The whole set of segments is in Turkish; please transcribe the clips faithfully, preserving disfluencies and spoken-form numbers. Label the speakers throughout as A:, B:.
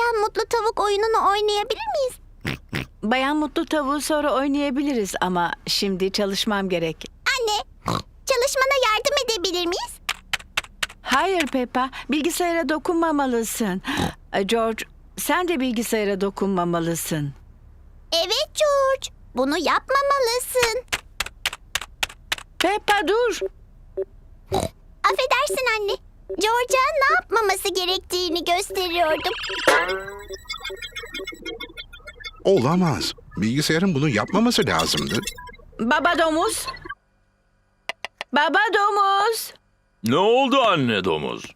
A: Bayan Mutlu Tavuk oyununu oynayabilir miyiz?
B: Bayan Mutlu Tavuğu sonra oynayabiliriz ama şimdi çalışmam gerek.
A: Anne, çalışmana yardım edebilir miyiz?
B: Hayır Peppa, bilgisayara dokunmamalısın. George, sen de bilgisayara dokunmamalısın.
A: Evet George, bunu yapmamalısın.
B: Peppa dur.
A: Affedersin anne. George'a ne yapmaması gerektiğini gösteriyordum.
C: Olamaz. Bilgisayarın bunu yapmaması lazımdı.
B: Baba domuz. Baba domuz.
D: Ne oldu anne domuz?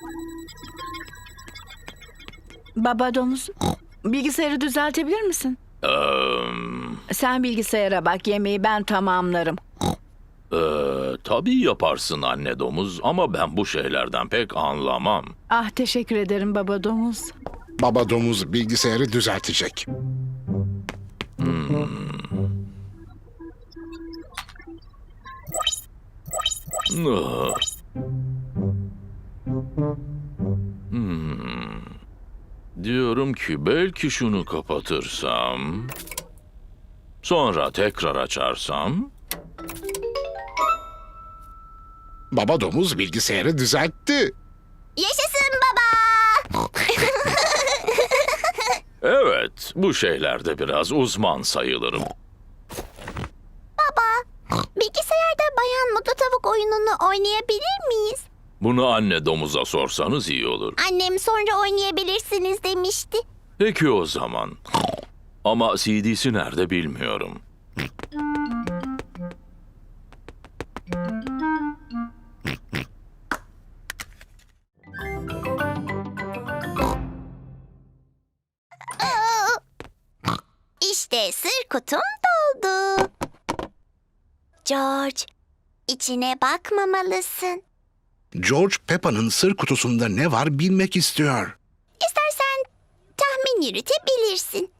B: Baba domuz, bilgisayarı düzeltebilir misin?
D: Ee,
B: Sen bilgisayara bak, yemeği ben tamamlarım.
D: e, tabii yaparsın anne domuz ama ben bu şeylerden pek anlamam.
B: Ah, teşekkür ederim baba domuz.
C: Baba domuz bilgisayarı düzeltecek.
D: Ah. Hmm. Diyorum ki belki şunu kapatırsam, sonra tekrar açarsam.
C: Baba domuz bilgisayarı düzeltti.
A: Yaşasın baba!
D: Evet, bu şeylerde biraz uzman sayılırım.
A: Bilgisayarda Bayan Mutlu Tavuk oyununu oynayabilir miyiz?
D: Bunu anne domuza sorsanız iyi olur.
A: Annem sonra oynayabilirsiniz demişti.
D: Peki o zaman. Ama C D'si nerede bilmiyorum.
A: İşte sır kutum doldu. George, içine bakmamalısın.
C: George Peppa'nın sır kutusunda ne var bilmek istiyor.
A: İstersen tahmin yürütebilirsin.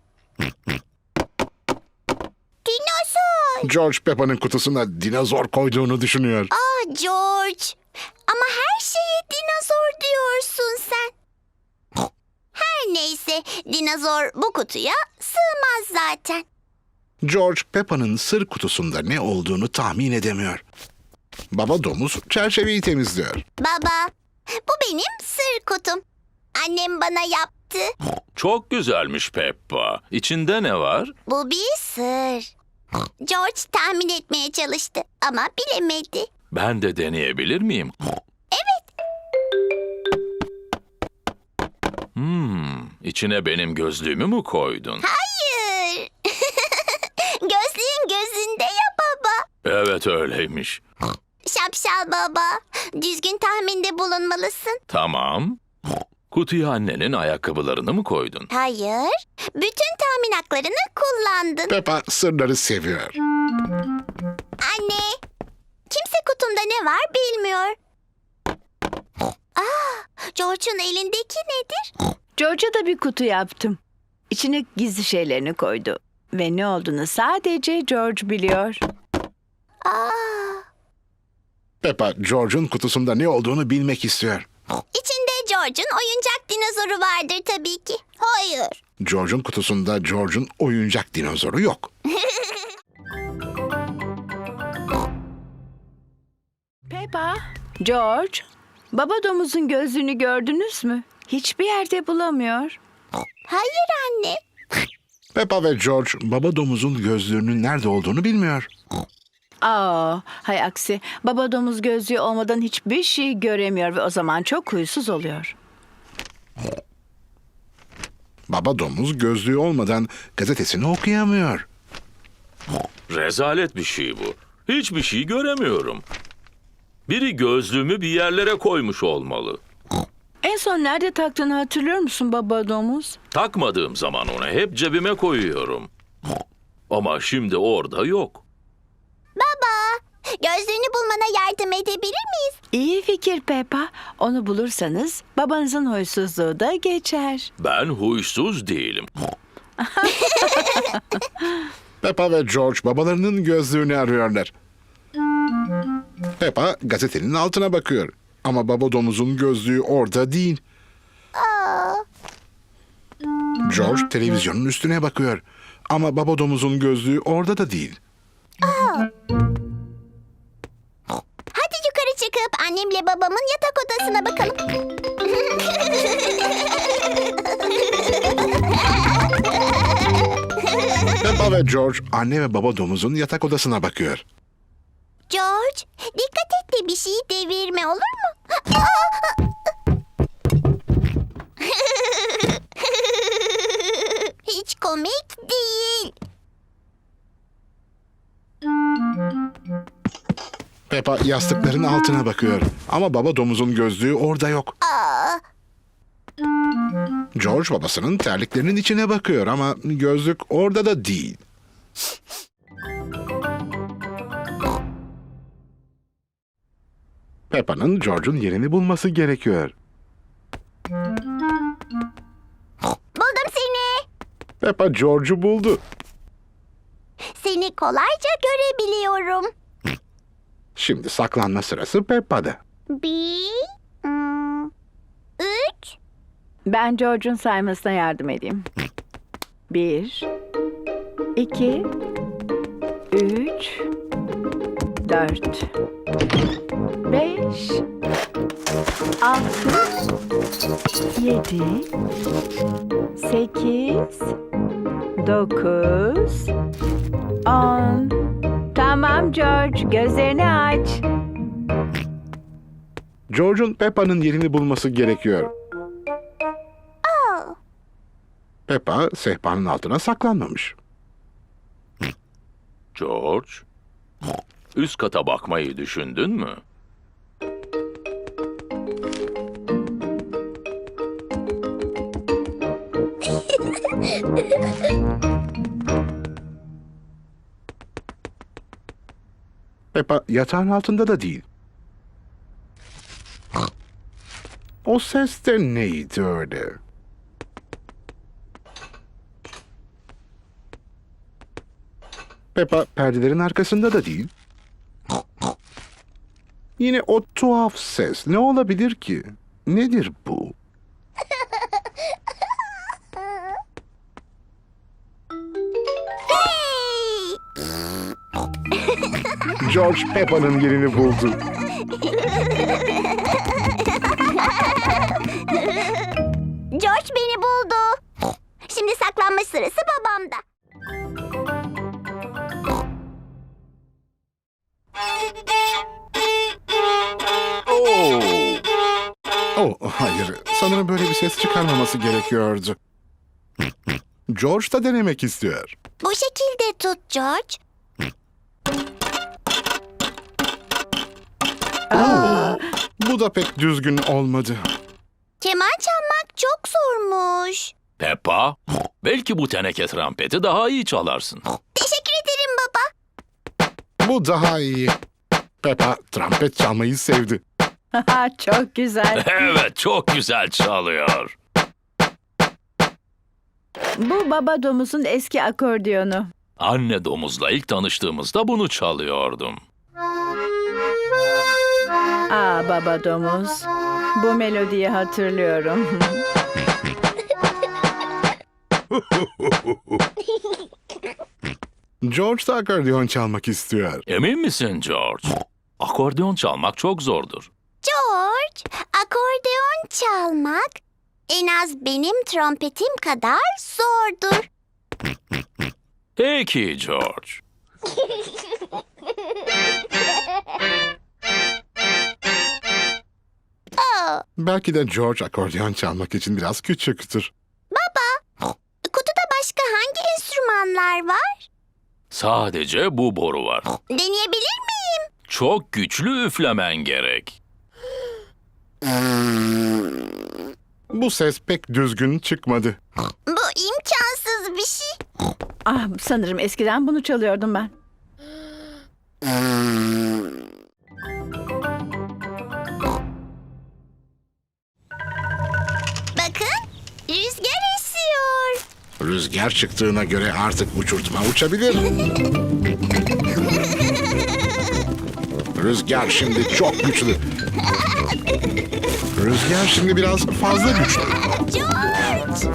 A: Dinozor.
C: George Peppa'nın kutusuna dinozor koyduğunu düşünüyor.
A: Ah George. Ama her şeye dinozor diyorsun sen. Her neyse, dinozor bu kutuya sığmaz zaten.
C: George Peppa'nın sır kutusunda ne olduğunu tahmin edemiyor. Baba domuz çerçeveyi temizliyor.
A: Baba, bu benim sır kutum. Annem bana yaptı.
D: Çok güzelmiş Peppa. İçinde ne var?
A: Bu bir sır. George tahmin etmeye çalıştı ama bilemedi.
D: Ben de deneyebilir miyim?
A: Evet.
D: Hmm, içine benim gözlüğümü mü koydun?
A: Hayır. Gözlüğün gözünde ya baba.
D: Evet öyleymiş.
A: Şapşal baba. Düzgün tahminde bulunmalısın.
D: Tamam. Kutuya annenin ayakkabılarını mı koydun?
A: Hayır. Bütün tahmin haklarını kullandın.
C: Peppa sırları seviyor.
A: Anne. Kimse kutumda ne var bilmiyor. Aa, George'un elindeki nedir?
B: George'a da bir kutu yaptım. İçine gizli şeylerini koydu. Ve ne olduğunu sadece George biliyor.
A: Aa,
C: Peppa George'un kutusunda ne olduğunu bilmek istiyor.
A: içinde George'un oyuncak dinozoru vardır tabii ki. Hayır.
C: George'un kutusunda George'un oyuncak dinozoru yok.
B: Peppa, George, baba domuzun gözlüğünü gördünüz mü? Hiçbir yerde bulamıyor.
A: Hayır anne.
C: Peppa ve George baba domuzun gözlüğünün nerede olduğunu bilmiyor.
B: Aa, hay aksi. Baba domuz gözlüğü olmadan hiçbir şey göremiyor ve o zaman çok huysuz oluyor.
C: Baba domuz gözlüğü olmadan gazetesini okuyamıyor.
D: Rezalet bir şey bu. Hiçbir şey göremiyorum. Biri gözlüğümü bir yerlere koymuş olmalı.
B: En son nerede taktığını hatırlıyor musun baba domuz?
D: Takmadığım zaman onu hep cebime koyuyorum. Ama şimdi orada yok.
A: Baba, gözlüğünü bulmana yardım edebilir miyiz?
B: İyi fikir Peppa. Onu bulursanız babanızın huysuzluğu da geçer.
D: Ben huysuz değilim.
C: Peppa ve George babalarının gözlüğünü arıyorlar. Peppa gazetenin altına bakıyor. Ama baba domuzun gözlüğü orada değil.
A: Aa,
C: George televizyonun üstüne bakıyor. Ama baba domuzun gözlüğü orada da değil.
A: Hadi yukarı çıkıp annemle babamın yatak odasına bakalım.
C: Peppa ve George anne ve baba domuzun yatak odasına bakıyor.
A: George, dikkat et de bir şeyi devirme, olur mu? Hiç komik değil.
C: Peppa yastıkların altına bakıyor. Ama baba domuzun gözlüğü orada yok.
A: Aa,
C: George babasının terliklerinin içine bakıyor ama gözlük orada da değil. Peppa'nın George'un yerini bulması gerekiyor.
A: buldum seni.
C: Peppa George'u buldu.
A: Seni kolayca görebiliyorum.
C: Şimdi saklanma sırası Peppa'da.
A: Bir, hmm, üç,
B: Ben George'un saymasına yardım edeyim. Bir, iki, üç, dört, beş, altı, yedi, sekiz, dokuz, on. Tamam George, gözlerini aç.
C: George'un Peppa'nın yerini bulması gerekiyor.
A: oh.
C: Peppa sehpanın altına saklanmamış.
D: George, üst kata bakmayı düşündün mü?
C: Peppa yatağın altında da değil. O ses de neydi öyle? Peppa perdelerin arkasında da değil. Yine o tuhaf ses. Ne olabilir ki? Nedir bu?
A: Hey!
C: George Peppa'nın yerini buldu.
A: George beni buldu. Şimdi saklanma sırası babamda.
D: Oo!
C: Oh, hayır. Sanırım böyle bir ses çıkarmaması gerekiyordu. George da denemek istiyor.
A: Bu şekilde tut George.
C: Bu da pek düzgün olmadı.
A: Keman çalmak çok zormuş.
D: Peppa, belki bu teneke trompeti daha iyi çalarsın.
A: Teşekkür ederim baba.
C: Bu daha iyi. Peppa trompet çalmayı sevdi.
B: Çok güzel.
D: Evet, çok güzel çalıyor.
B: Bu baba domuzun eski akordiyonu.
D: Anne domuzla ilk tanıştığımızda bunu çalıyordum.
B: Aa baba domuz. Bu melodiyi hatırlıyorum.
C: George da akordeon çalmak istiyor.
D: Emin misin George? Akordeon çalmak çok zordur.
A: George, akordeon çalmak en az benim trompetim kadar zordur.
D: Peki George.
A: Oh,
C: Belki de George akordeon çalmak için biraz küçüktür.
A: kutuda başka hangi enstrümanlar var?
D: Sadece bu boru var.
A: Deneyebilir miyim?
D: Çok güçlü üflemen gerek.
C: Bu ses pek düzgün çıkmadı.
A: Bu imkansız bir şey.
B: Ah sanırım eskiden bunu çalıyordum ben.
A: Bakın, rüzgar esiyor.
C: Rüzgar çıktığına göre artık uçurtma uçabilir. Rüzgar şimdi çok güçlü. Rüzgar şimdi biraz fazla güçlü.
A: George!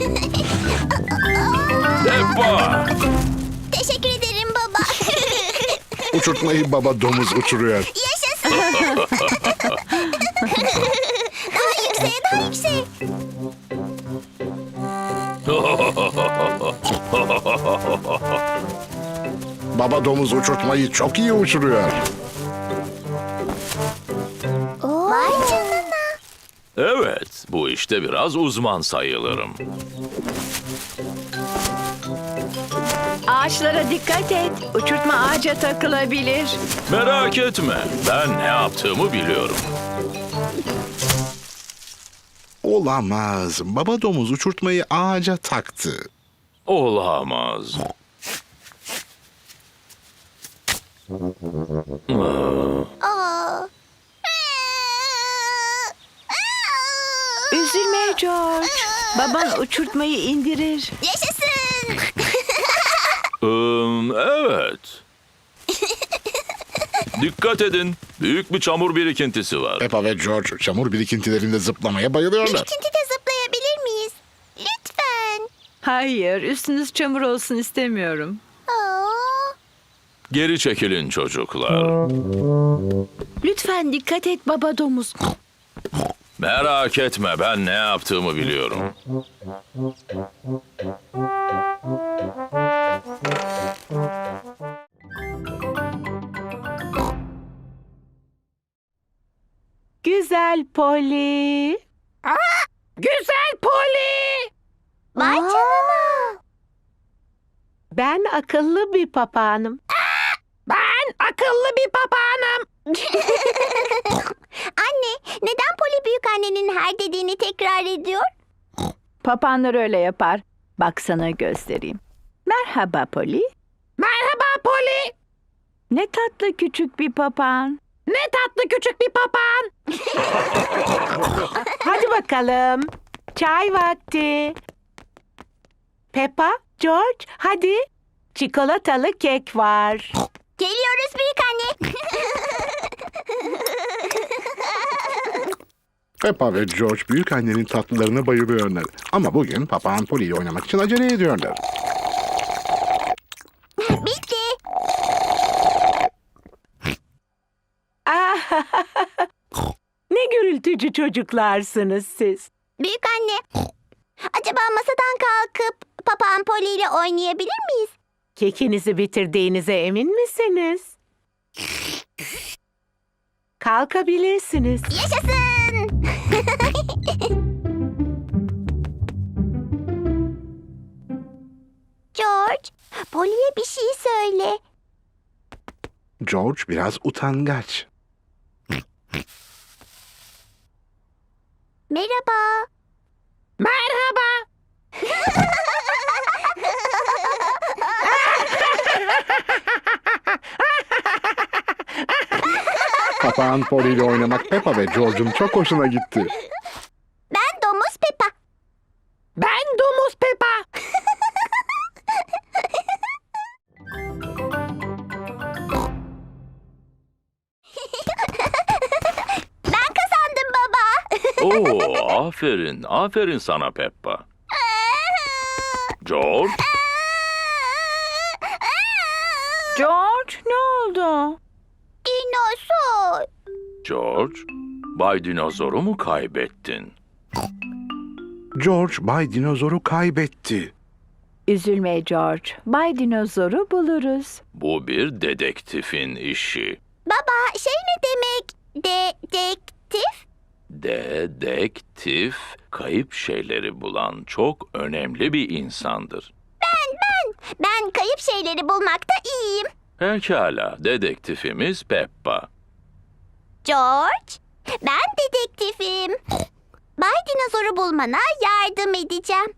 D: Peppa!
A: Teşekkür ederim baba.
C: Uçurtmayı baba domuz uçuruyor.
A: Yaşasın. Daha yükseğe, daha yükseğe.
C: Baba domuz uçurtmayı çok iyi uçuruyor.
A: Vay canına.
D: Evet, bu işte biraz uzman sayılırım.
B: Ağaçlara dikkat et. Uçurtma ağaca takılabilir.
D: Merak etme, ben ne yaptığımı biliyorum.
C: Olamaz. Baba domuz uçurtmayı ağaca taktı.
D: Olamaz.
A: Aa.
B: Üzülme George. Baban uçurtmayı indirir.
A: Yaşasın.
D: Im, evet. Dikkat edin, büyük bir çamur birikintisi var.
C: Peppa ve George çamur birikintilerinde zıplamaya bayılıyorlar.
A: Birikintide zıplayabilir miyiz? Lütfen.
B: Hayır, üstünüz çamur olsun istemiyorum.
A: Aa.
D: Geri çekilin çocuklar.
B: Lütfen dikkat et baba domuz.
D: Merak etme, ben ne yaptığımı biliyorum.
E: Güzel Polly. Güzel Polly.
A: Vay canına.
E: Ben akıllı bir papağanım. Ben akıllı bir papağanım.
A: Anne, neden Poli büyükannenin her dediğini tekrar ediyor?
B: Papağanlar öyle yapar. Bak sana göstereyim. Merhaba Polly.
E: Merhaba Polly.
B: Ne tatlı küçük bir papağan.
E: Ne tatlı küçük bir papağan. Hadi bakalım. Çay vakti. Peppa, George, hadi. Çikolatalı kek var.
A: Geliyoruz büyükanne.
C: Peppa ve George büyük annenin tatlılarına bayılıyorlar. Ama bugün papağan Polly ile oynamak için acele ediyorlar.
A: Bitti.
E: Ah, ne gürültücü çocuklarsınız siz.
A: Büyükanne, acaba masadan kalkıp papağan Poli ile oynayabilir miyiz?
E: Kekinizi bitirdiğinize emin misiniz? Kalkabilirsiniz.
A: Yaşasın. George, Poli'ye bir şey söyle.
C: George biraz utangaç.
A: Merhaba.
E: Merhaba.
C: Papağan Polly ile oynamak Peppa ve George'un çok hoşuna gitti.
A: Ben domuz Peppa.
E: Ben domuz Peppa.
A: Ben kazandım baba.
D: Oo, aferin, aferin sana Peppa. George,
B: George ne oldu?
A: Dinozor.
D: George, Bay Dinozor'u mu kaybettin?
C: George Bay Dinozor'u kaybetti.
B: Üzülme George. Bay Dinozor'u buluruz.
D: Bu bir dedektifin işi.
A: Baba şey ne demek? Dedektif?
D: Dedektif, kayıp şeyleri bulan çok önemli bir insandır.
A: Ben kayıp şeyleri bulmakta iyiyim.
D: Pekala, dedektifimiz Peppa.
A: George, ben dedektifim. Bay Dinozor'u bulmana yardım edeceğim.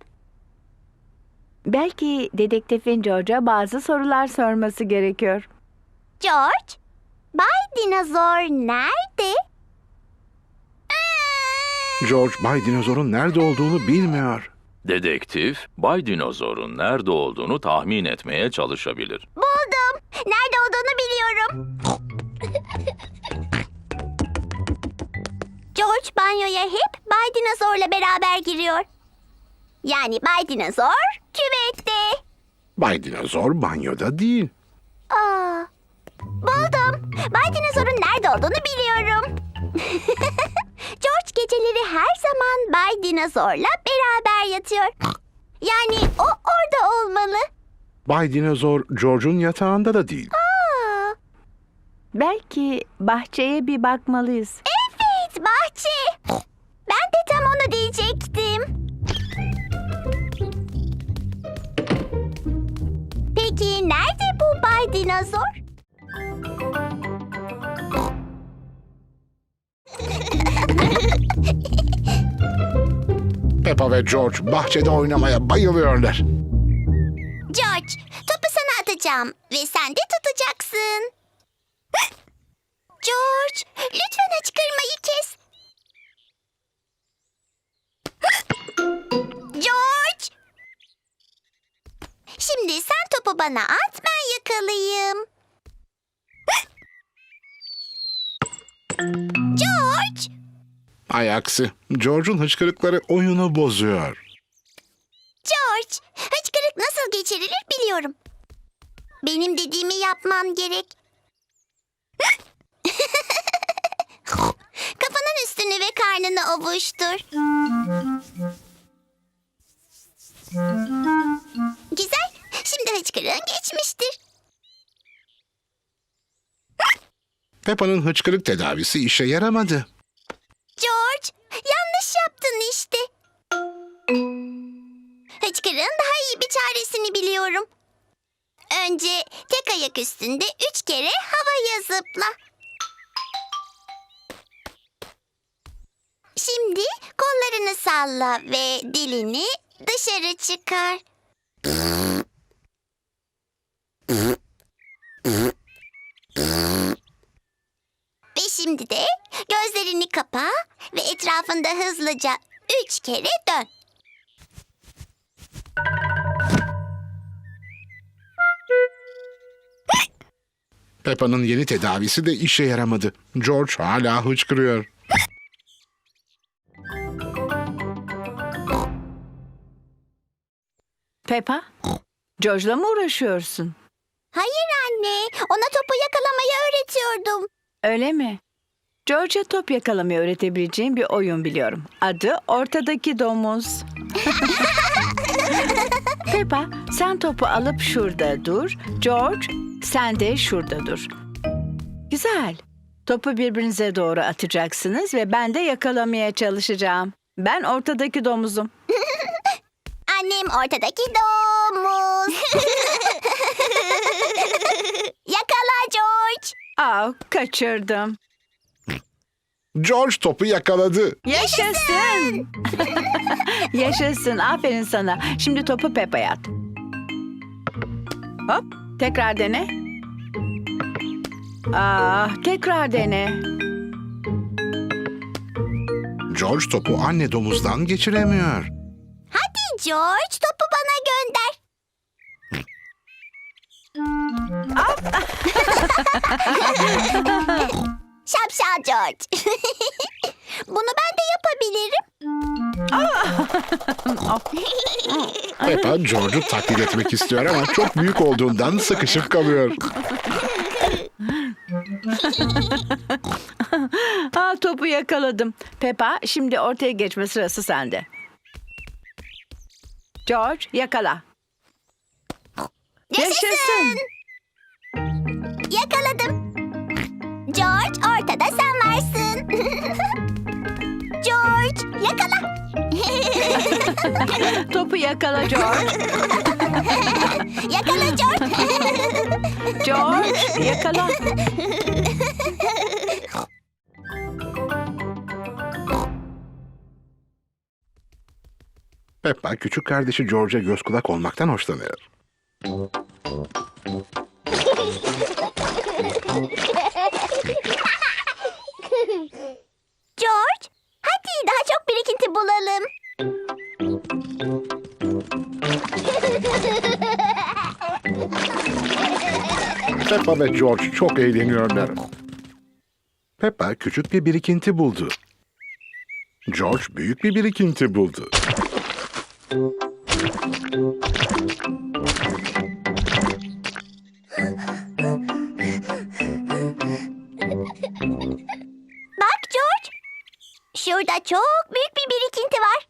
B: Belki dedektifin George'a bazı sorular sorması gerekiyor.
A: George, Bay Dinozor nerede?
C: George Bay Dinozor'un nerede olduğunu bilmiyor.
D: Dedektif, Bay Dinozor'un nerede olduğunu tahmin etmeye çalışabilir.
A: Buldum. Nerede olduğunu biliyorum. George banyoya hep Bay Dinozor'la beraber giriyor. Yani Bay Dinozor küvette.
C: Bay Dinozor banyoda değil.
A: Aa, buldum. Bay Dinozor'un nerede olduğunu biliyorum. George geceleri her zaman Bay Dinozor'la beraber yatıyor. Yani o orada olmalı.
C: Bay Dinozor George'un yatağında da değil.
A: Aa,
B: Belki bahçeye bir bakmalıyız.
A: evet, bahçe. Ben de tam onu diyecektim. Peki nerede bu Bay Dinozor?
C: Peppa ve George bahçede oynamaya bayılıyorlar.
A: George, topu sana atacağım ve sen de tutacaksın. George, lütfen hıçkırmayı kes. George! Şimdi sen topu bana at, ben yakalayayım. George!
C: Ay aksi, George'un hıçkırıkları oyunu bozuyor.
A: George, hıçkırık nasıl geçirilir biliyorum. Benim dediğimi yapman gerek. Kafanın üstünü ve karnını ovuştur. Güzel. Şimdi hıçkırığın geçmiştir.
C: Peppa'nın hıçkırık tedavisi işe yaramadı.
A: George, yanlış yaptın işte. Hıçkırığın daha iyi bir çaresini biliyorum. Önce tek ayak üstünde üç kere havaya zıpla. Şimdi kollarını salla ve dilini dışarı çıkar. Ve şimdi de gözlerini kapa ve etrafında hızlıca üç kere dön.
C: Peppa'nın yeni tedavisi de işe yaramadı. George hala hıçkırıyor.
B: Peppa, George'la mı uğraşıyorsun?
A: Hayır anne, ona topu yakalamayı öğretiyordum.
B: Öyle mi? George'a top yakalamayı öğretebileceğim bir oyun biliyorum. Adı Ortadaki Domuz. Peppa, sen topu alıp şurada dur. George, sen de şurada dur. Güzel. Topu birbirinize doğru atacaksınız ve ben de yakalamaya çalışacağım. Ben ortadaki domuzum.
A: Annem ortadaki domuz. Yakala George.
B: Aa, kaçırdım.
C: George topu yakaladı.
B: Yaşasın. Yaşasın. Aferin sana. Şimdi topu Peppa'ya at. Hop. Tekrar dene. Aa, tekrar dene.
C: George topu anne domuzdan geçiremiyor.
A: Hadi George, topu bana gönder. Şapşal George. Bunu ben de yapabilirim.
C: Peppa George'u taklit etmek istiyor ama çok büyük olduğundan sıkışıp kalıyor.
B: Aa, topu yakaladım. Peppa, şimdi ortaya geçme sırası sende. George, yakala. Yaşasın.
A: Yakaladım. George, ortada sen varsın. George, yakala.
B: Topu yakala George.
A: Yakala George.
B: George, yakala.
C: Peppa küçük kardeşi George'a göz kulak olmaktan hoşlanıyor.
A: George, hadi daha çok birikinti bulalım.
C: Peppa ve George çok eğleniyorlar. Peppa küçük bir birikinti buldu. George büyük bir birikinti buldu.
A: Bak George. Şurada çok büyük bir birikinti var.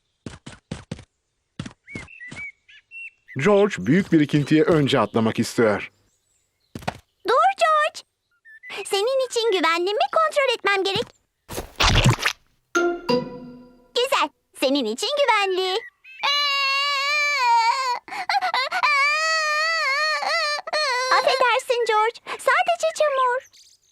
C: George büyük birikintiye önce atlamak istiyor.
A: Dur George. Senin için güvenli mi kontrol etmem gerek. Güzel. Senin için güvenli. Affedersin George. Sadece çamur.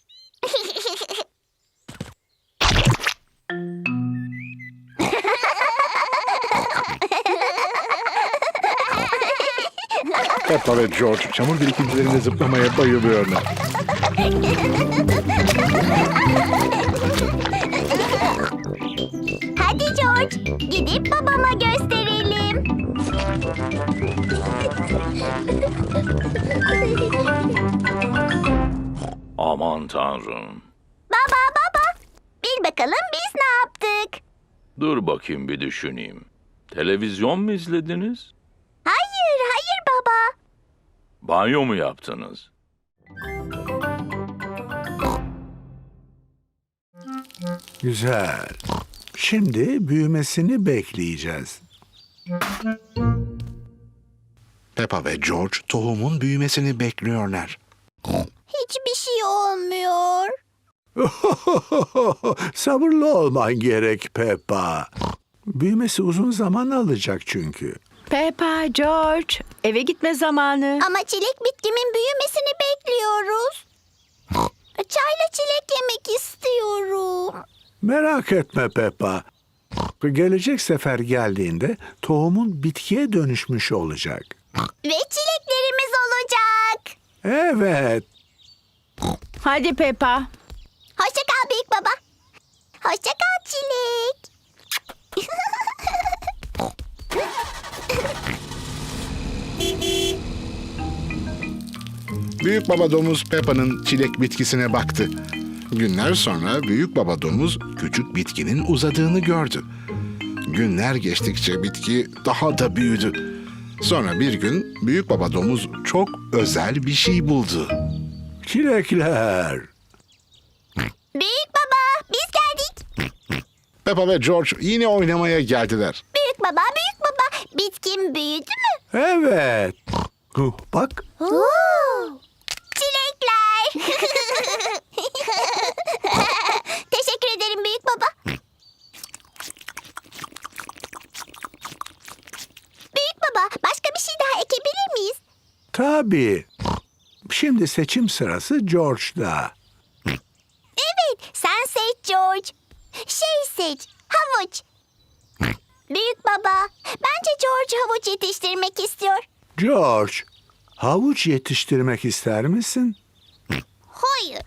C: Peppa ve George çamur birikintilerinde zıplamaya bayılıyorlar.
A: Hadi George. Gidip babama gösterelim.
D: Aman tanrım.
A: Baba baba. Bil bakalım biz ne yaptık?
D: Dur bakayım bir düşüneyim. Televizyon mu izlediniz?
A: Hayır hayır baba.
D: Banyo mu yaptınız?
F: Güzel. Şimdi büyümesini bekleyeceğiz.
C: Peppa ve George tohumun büyümesini bekliyorlar.
A: Hiçbir şey olmuyor.
F: Sabırlı olman gerek Peppa. Büyümesi uzun zaman alacak çünkü.
B: Peppa, George, eve gitme zamanı.
A: Ama çilek bitkimin büyümesini bekliyoruz. Çayla çilek yemek istiyorum.
F: Merak etme Peppa. Gelecek sefer geldiğinde tohumun bitkiye dönüşmüş olacak.
A: Ve çileklerimiz olacak.
F: Evet.
B: Hadi Peppa.
A: Hoşça kal büyük baba. Hoşça kal çilek.
C: Büyük baba domuz Peppa'nın çilek bitkisine baktı. Günler sonra büyük baba domuz küçük bitkinin uzadığını gördü. Günler geçtikçe bitki daha da büyüdü. Sonra bir gün büyük baba domuz çok özel bir şey buldu.
F: Çilekler.
A: Büyük baba biz geldik.
C: Peppa ve George yine oynamaya geldiler.
A: Büyük baba büyük baba bitkim büyüdü mü?
F: Evet. Huh, Bak.
A: Oo. Çilekler. Teşekkür ederim büyük baba. Büyük baba başka bir şey daha ekebilir miyiz?
F: Tabii. Şimdi seçim sırası George'da.
A: Evet sen seç George. Şey seç havuç. Büyük baba bence George havuç yetiştirmek istiyor.
F: George, havuç yetiştirmek ister misin?
A: Hayır.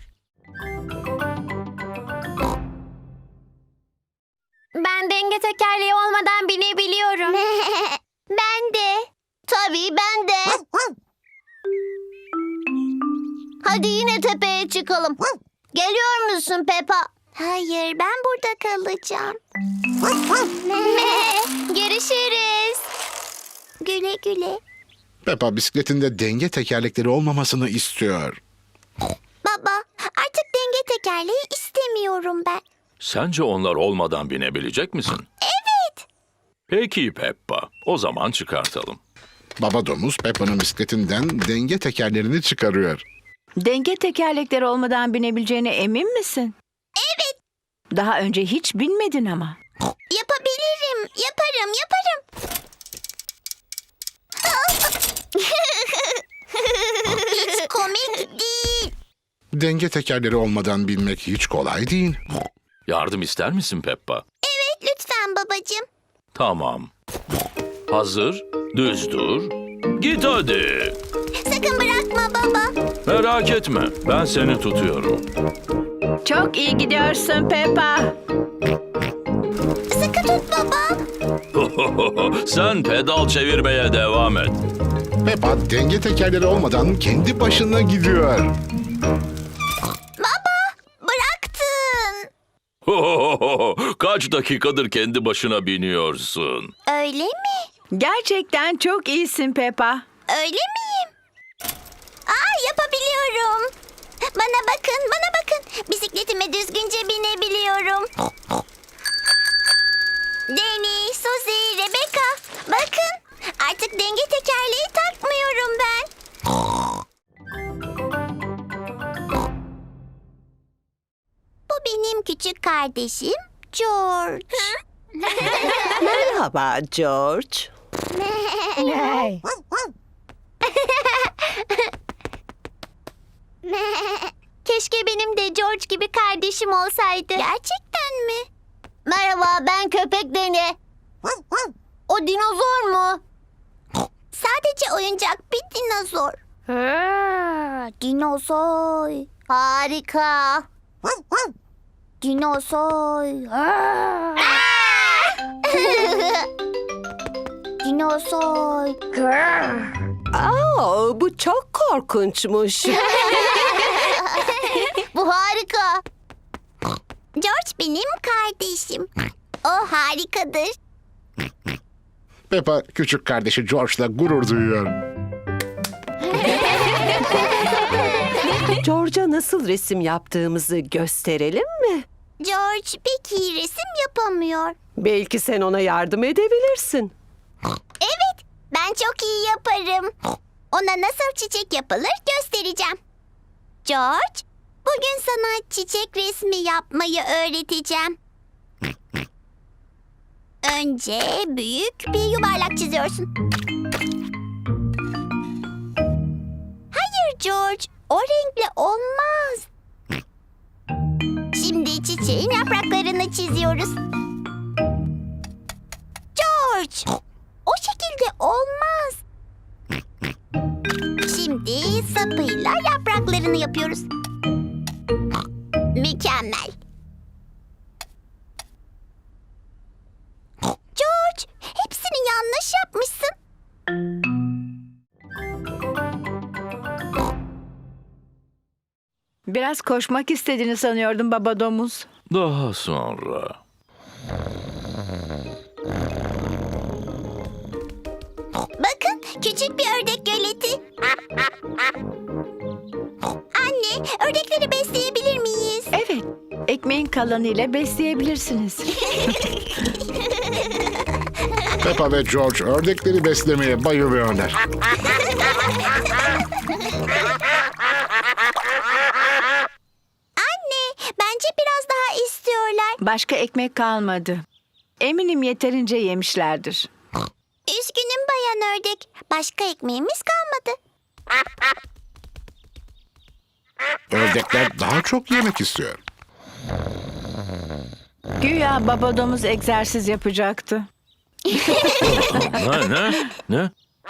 A: Ben denge tekerleği olmadan binebiliyorum. Ben de. Tabii ben de. Hadi yine tepeye çıkalım. Geliyor musun Peppa? Hayır, ben burada kalacağım. Görüşürüz. Güle güle.
C: Peppa bisikletinde denge tekerlekleri olmamasını istiyor.
A: Baba, artık denge tekerleği istemiyorum ben.
D: Sence onlar olmadan binebilecek misin?
A: Evet.
D: Peki Peppa. O zaman çıkartalım.
C: Baba domuz Peppa'nın bisikletinden denge tekerlerini çıkarıyor.
B: Denge tekerlekleri olmadan binebileceğine emin misin?
A: Evet.
B: Daha önce hiç binmedin ama.
A: Yapabilirim. Yaparım, yaparım. Hiç komik değil.
C: Denge tekerleri olmadan binmek hiç kolay değil.
D: Yardım ister misin Peppa?
A: Evet, lütfen babacığım.
D: Tamam. Hazır, düz dur. Git hadi.
A: Sakın bırakma baba.
D: Merak etme, ben seni tutuyorum.
B: Çok iyi gidiyorsun Peppa.
A: Sıkı tut baba.
D: Sen pedal çevirmeye devam et.
C: Peppa denge tekerleri olmadan kendi başına gidiyor.
A: Baba, bıraktın.
D: Kaç dakikadır kendi başına biniyorsun?
A: Öyle mi?
B: Gerçekten çok iyisin Peppa.
A: Öyle miyim? Aa, yapabiliyorum. Bana bakın, bana bakın. Bisikletime düzgünce binebiliyorum. Danny, Suzy, Rebecca. Bakın, artık denge tekerleği takmıyorum ben. Bu benim küçük kardeşim George.
G: Merhaba George.
A: Keşke benim de George gibi kardeşim olsaydı. Gerçekten mi? Merhaba, ben köpek Deni. O dinozor mu? Sadece oyuncak bir dinozor. Dinozor. Harika. Dinozor. Dinozor.
G: Aa, bu çok korkunçmuş.
A: Bu harika. George benim kardeşim. O harikadır.
C: Peppa küçük kardeşi George'la gurur duyuyor.
G: George'a nasıl resim yaptığımızı gösterelim mi?
A: George pek iyi resim yapamıyor.
G: Belki sen ona yardım edebilirsin.
A: Evet, ben çok iyi yaparım. Ona nasıl çiçek yapılır göstereceğim. George, bugün sana çiçek resmi yapmayı öğreteceğim. Önce büyük bir yuvarlak çiziyorsun. Hayır George, o renkle olmaz. Şimdi çiçeğin yapraklarını çiziyoruz. George, o şekilde olmaz. Şimdi sapıyla yapraklarını yapıyoruz. Mükemmel. George, hepsini yanlış yapmışsın.
B: Biraz koşmak istediğini sanıyordum baba domuz.
D: Daha sonra.
A: Bakın, küçük bir ördek göleti. Anne, ördekleri besleyebilir miyiz?
B: Evet, ekmeğin kalanıyla besleyebilirsiniz.
C: Peppa ve George ördekleri beslemeye bayılıyorlar.
A: Anne, bence biraz daha istiyorlar.
B: Başka ekmek kalmadı. Eminim yeterince yemişlerdir.
A: Üzgünüm bayan ördek. Başka ekmeğimiz kalmadı.
C: Ördekler daha çok yemek istiyor.
B: Güya baba domuz egzersiz yapacaktı.
D: Ne ne? Ne?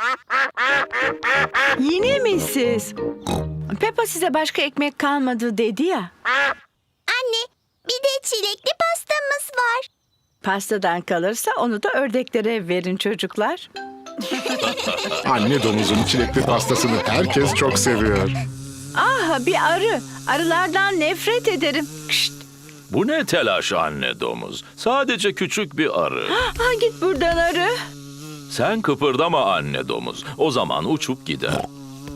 B: Yine mi siz? Peppa size başka ekmek kalmadı dedi ya.
A: Anne, bir de çilekli pastamız var.
B: Pastadan kalırsa onu da ördeklere verin çocuklar.
C: Anne domuzun çilekli pastasını herkes çok seviyor.
B: Ah, bir arı. Arılardan nefret ederim. Kışt.
D: Bu ne telaş anne domuz? Sadece küçük bir arı.
B: Ah, git buradan arı.
D: Sen kıpırdama anne domuz. O zaman uçup gider.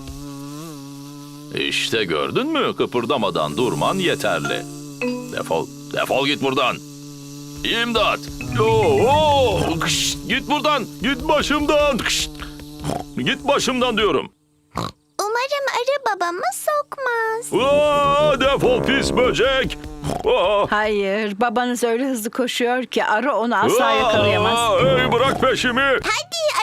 D: İşte gördün mü? Kıpırdamadan durman yeterli. Defol, defol git buradan. İmdat! Oo, kış, git buradan, git başımdan. Kış, git başımdan diyorum.
A: Umarım arı babamı sokmaz.
D: Aa, defol pis böcek. Aa,
B: Hayır, babanız öyle hızlı koşuyor ki arı onu asla
D: aa,
B: yakalayamaz.
D: Ey bırak peşimi.
A: Hadi